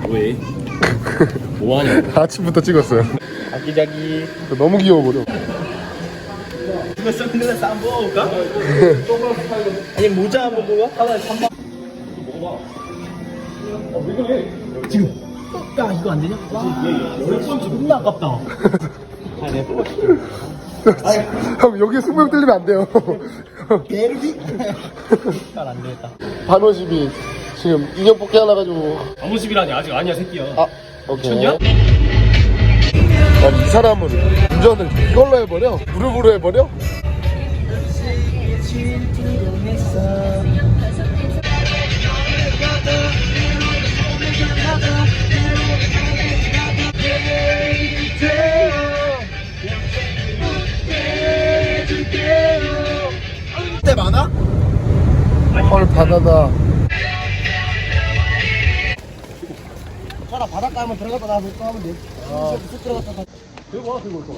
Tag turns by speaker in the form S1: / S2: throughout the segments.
S1: 왜? 뭐하냐?
S2: 아침부터 찍었어요.
S1: 아기자기.
S2: 너무 귀여워버려.
S1: 이거 선글라스 안 먹어볼까? 아니 모자 한번 먹어봐. 하나에 3만. 먹어봐. 왜 그래? 지금. 야 이거 안 되냐? 열 번째 존나 아깝다. 아 내가 뽑아줄게.
S2: 형 여기에 승부욕 들리면 안 돼요.
S1: 게르기? 잘안 되겠다.
S2: 반호집이 지금 인형 뽑기 하나 가지고.
S1: 아무집이라니 아직 아니야 새끼야.
S2: 아 오케이.
S1: 미쳤냐?
S2: 아니 이 사람은 운전을 이걸로 해버려? 무릎으로 해버려?
S1: 때 많아?
S2: 헐 바다다.
S1: 차라 바닷가 한번 들어갔다 나서 또 하면 돼. 쑥 들어갔다. 들고 와, 들고 와.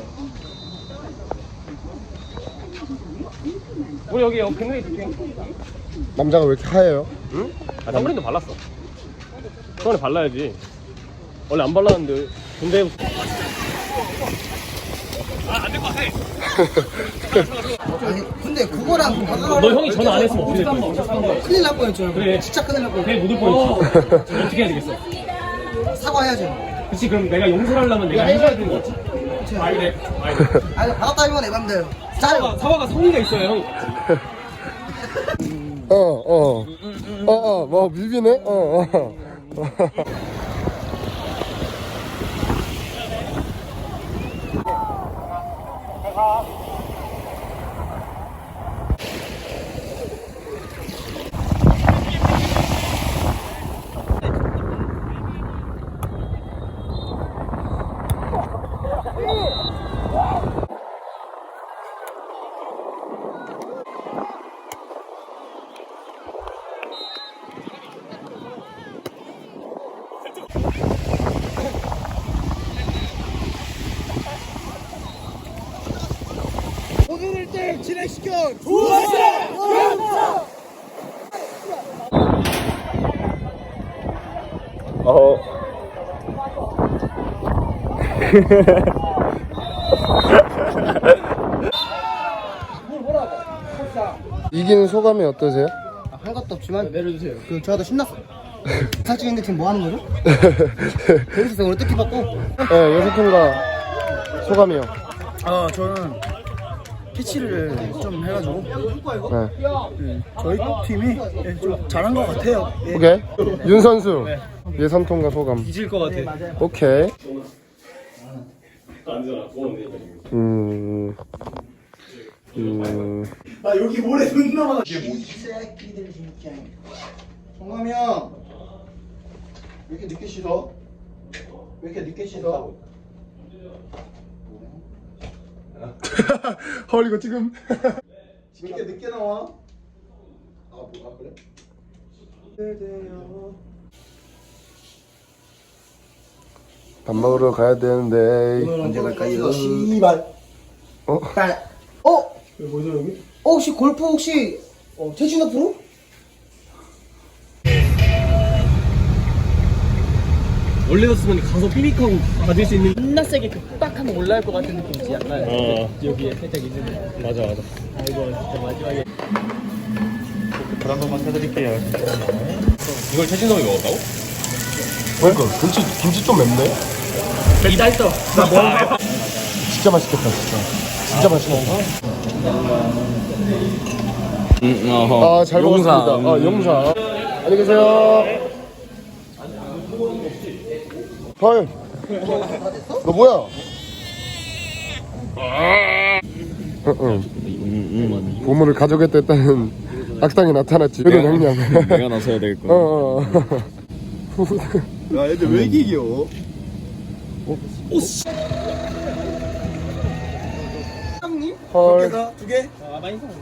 S1: 우리 여기 근처에 있을게.
S2: 남자가 왜 이렇게 하얘요?
S1: 응? 아, 선크림도 발랐어. 선크림 발라야지. 원래 안 발랐는데. 근데. 아, 안 될 것 같아.
S3: 아니 근데 그거랑
S1: 너 형이 전화 안 했으면 어떻게 될 거야?
S3: 큰일 날 뻔했죠.
S1: 그래.
S3: 진짜 큰일 날 뻔했죠.
S1: 그게 못 올 뻔했지. 지금 어떻게 해야 되겠어?
S3: 사과해야죠.
S1: 그치, 그럼 내가 용서를 하려면 내가 해줘야 되는 거지. 아이, 그래. 아이.
S3: 아니 받았다면 내 맘대로. 짜요.
S1: 사과가 성의가 있어요, 형.
S2: 뭐 뮤비네?
S3: 오늘 때 진행시켜.
S2: 이기는 소감이 어떠세요?
S3: 한 것도 없지만 내려주세요. 저도 신났어. 살찌는데 지금 뭐 하는 거죠? 재밌었어요. 오늘 뜻깊었고.
S2: 네, 여사통과 소감이요.
S3: 저는 캐치를 좀 해가지고
S2: 네.
S3: 저희 팀이 좀 잘한 것 같아요.
S2: 오케이. 윤 선수 예선통과 소감.
S1: 잊을 것 같아.
S2: 오케이.
S3: 나 여기 모래 존나 많아. 이게 뭐지? 새끼들 진짜. 정감이 형. 왜 이렇게 늦게 씻어? 왜 이렇게 늦게 씻어?
S2: 헐 이거 지금.
S3: 왜 이렇게 늦게 나와? 그래?
S2: 밥 먹으러 가야 되는데.
S3: 언제 갈까요? 씨발. 딸.
S2: 왜 뭐죠 여기?
S3: 혹시 골프 혹시 최진호 프로?
S1: 원래였으면 가서 삐빅하고 받을 수 있는.
S4: 존나 세게 딱 하면 올라올 것 같은 느낌이지 약간 여기에 살짝 있는.
S1: 맞아.
S4: 아이고 진짜 마지막에
S1: 불한 번만 사드릴게요. 이걸 최진성이 먹었다고?
S2: 그러니까 김치 좀 맵네.
S4: 이다 했어.
S1: 나 뭐?
S2: 진짜 맛있겠다 진짜. 진짜 맛있겠다. 아 잘 먹었습니다. 용사. 안녕히 계세요. 헐. 너 뭐야? 보물을 가져겠다는 악당이 나타났지. 그런 형량.
S1: 내가 나서야 될 거야.
S3: 야 애들 왜 이렇게 귀여워?
S2: 헐.
S3: 두 개?
S4: 많이 사.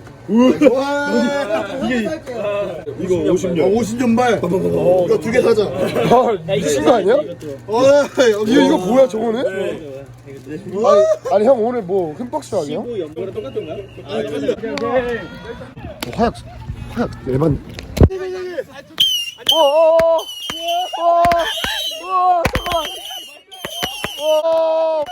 S3: 이거 50년. 50년발. 이거 두 개 사자.
S2: 헐 미친 거 아니야? 이거 뭐야 저거는? 아니 형 오늘 뭐 흠뻑 수학이야?
S4: 연보랑 똑같은 거야?
S2: 화약 에반. 우와 잠깐만. 와.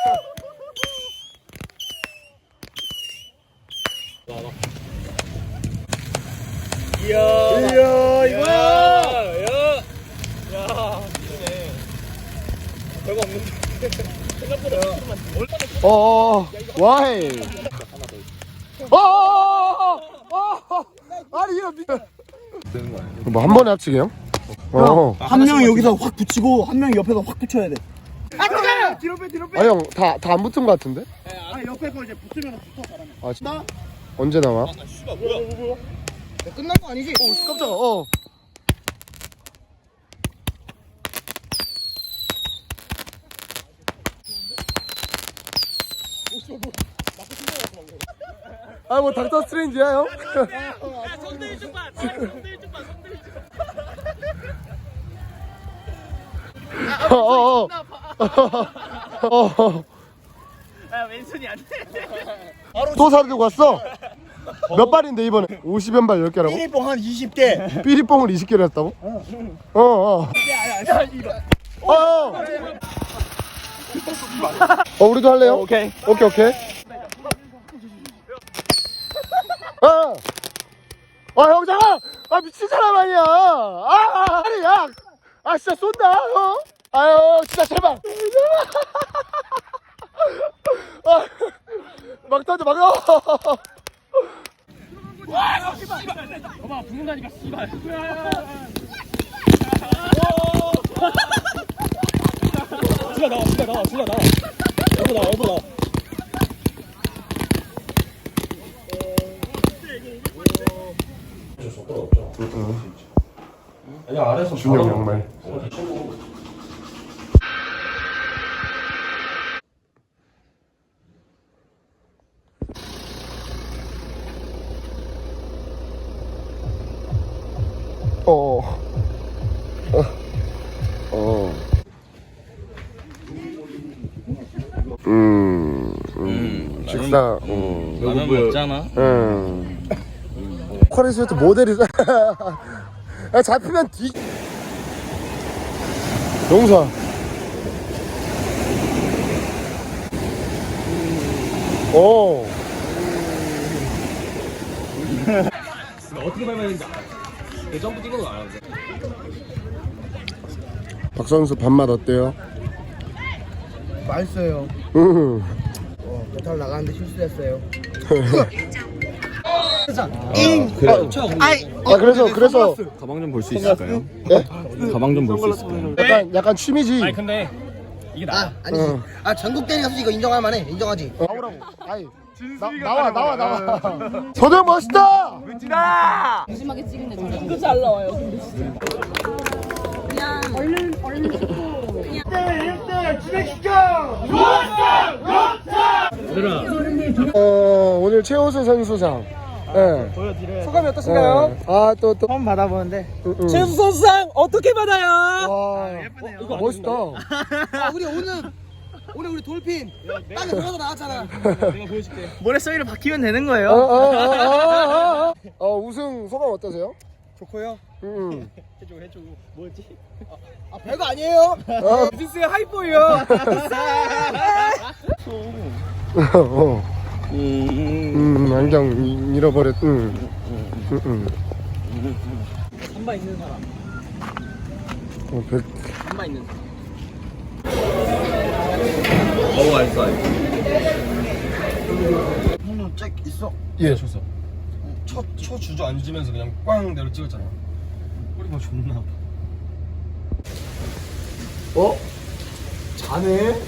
S1: 이야 이거야.
S4: 별거 없는데. 생각보다
S2: 와이. 아니 이거 뭐 한 번에 합치게요?
S3: 한 명이 여기서 확 붙이고 한 명이 옆에서 확 붙여야 돼. 뒤로 빼.
S2: 아니 형 다 안 붙은 것 같은데?
S3: 아니 옆에 거 이제 붙으면 붙어 사람이.
S2: 아 진짜? 언제 나와?
S3: 끝난 거 아니지?
S2: 오 깜짝아. 아 뭐 닥터 스트레인지야 형?
S4: 손들 좀 봐. 손들 좀 봐. 아 왼손이 안 돼.
S2: 또 사들고 왔어? 몇 발인데 이번에? 50연발 10개라고?
S3: 삐리뽕 한 20개.
S2: 삐리뽕을 20개를 했다고? 우리도 할래요?
S1: 오케이.
S2: 오케이. 형 잠깐! 미친 사람 아니야! 아니 야! 진짜 쏜다! 아유 진짜 제발! 막 던져 막
S4: 봐봐 붙는다니까 씨발. 줄라 나와. 여보 나와.
S2: 준영 양말. 식사.
S1: 라면 먹잖아.
S2: 커리스웨트 모델이 야, 잡히면 뒤. 용사.
S4: 어떻게 밟았는지 알아. 그 점프 뛰는 거 알아.
S2: 박 선수 밥맛 어때요?
S3: 맛있어요. 배탈 나가는데 실수했어요.
S2: 그래서
S1: 가방 좀 볼 수 있을까요?
S2: 예?
S1: 가방 좀 볼 수 있을까요?
S2: 약간 취미지.
S4: 아니 근데 이게 나.
S3: 아니지. 전국 대리 가서 이거 인정할 만해. 인정하지.
S2: 나오라고. 나와. 서정 멋있다.
S5: 조심하게 찍네. 이거 잘 나와요. 근데 진짜. 그냥 얼른 찍고.
S2: 오늘 최우수 선수상. 네.
S3: 소감이 어떠신가요?
S2: 또.
S3: 처음 받아보는데.
S4: 최수 선수상 어떻게 받아요?
S2: 와, 이거 멋있다.
S3: 오늘 우리 돌핀 땅에 들어서 나왔잖아.
S4: 내가 보여줄게.
S1: 모래성이를 박히면 되는 거예요.
S2: 우승 소감 어떠세요?
S3: 좋고요.
S4: 해줘. 뭐였지?
S3: 별거 아니에요.
S4: 디스의 하이포예요.
S2: 안경 잃어버렸.
S4: 한바 있는 사람. 한바 있는 사람.
S1: 어우 알싸.
S3: 형님 잭 있어?
S2: 예, 줬어. 첫 주저 앉으면서 그냥 꽝 내로 찍었잖아.
S1: 꼬리가 존나 아파.
S2: 자네?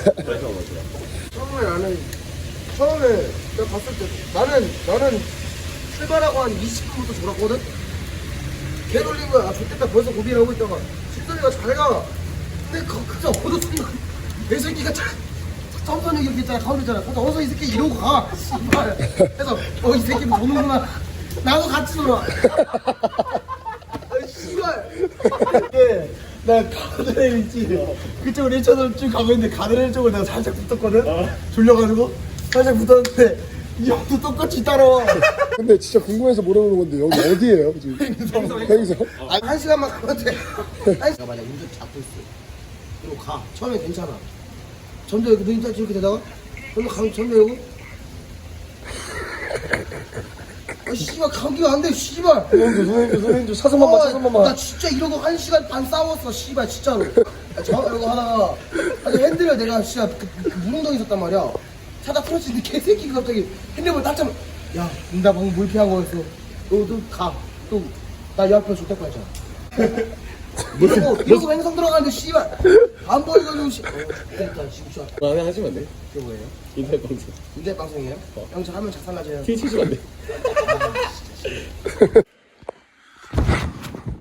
S2: 처음에 내가 봤을 때 나는 출발하고 한 20분부터 졸았거든? 개 돌린 거야. 좋겠다 벌써 고비를 하고 있다가 집사리가 잘 가. 근데 그저 어느 순간 내 새끼가 점선 이렇게 있잖아. 가운데 있잖아. 그래서 어서 이 새끼 이러고 가. 씨발. 그래서 이 새끼 노는구나. 나도 같이 놀아. 씨발. 나 가드레일 있지. 그쪽으로 1차선 쭉 가고 있는데 가드레일 쪽으로 내가 살짝 붙었거든. 졸려가지고 살짝 붙었는데 이 형도 똑같이 따라와. 근데 진짜 궁금해서 물어보는 건데 여기 어디예요 지금? 행성. 한 시간만 가면 돼. 내가 만약 운전 잡고 있어. 이러고 가. 처음에 괜찮아. 전도 여기 눈이 딱 이렇게 되다가 그러면 전도 여고 아 씨발 감기가 안 돼 씨발.
S3: 선생님 차선만 차선만
S2: 나 진짜 이러고 1시간 반 싸웠어 씨발 진짜로. 이러고 하다가 아니 핸들을 내가 진짜 그 무릉덩이 있었단 말이야. 차다 풀어지는데 개새끼가 갑자기 핸들을 딱 잡아. 야, 나 방금 물 피한 거였어. 너 가. 또 나 옆에 줄 때까지 잖아. 이러고 행성 들어가는데 씨발 안 보이가지고 됐다 지금 좋아.
S3: 마음에 하시면 안 돼?
S2: 그게 뭐예요?
S3: 인터넷 방송
S2: 인터넷 방송이에요? 형 저 하면 작살나져요.
S3: 티 치시면 안 돼?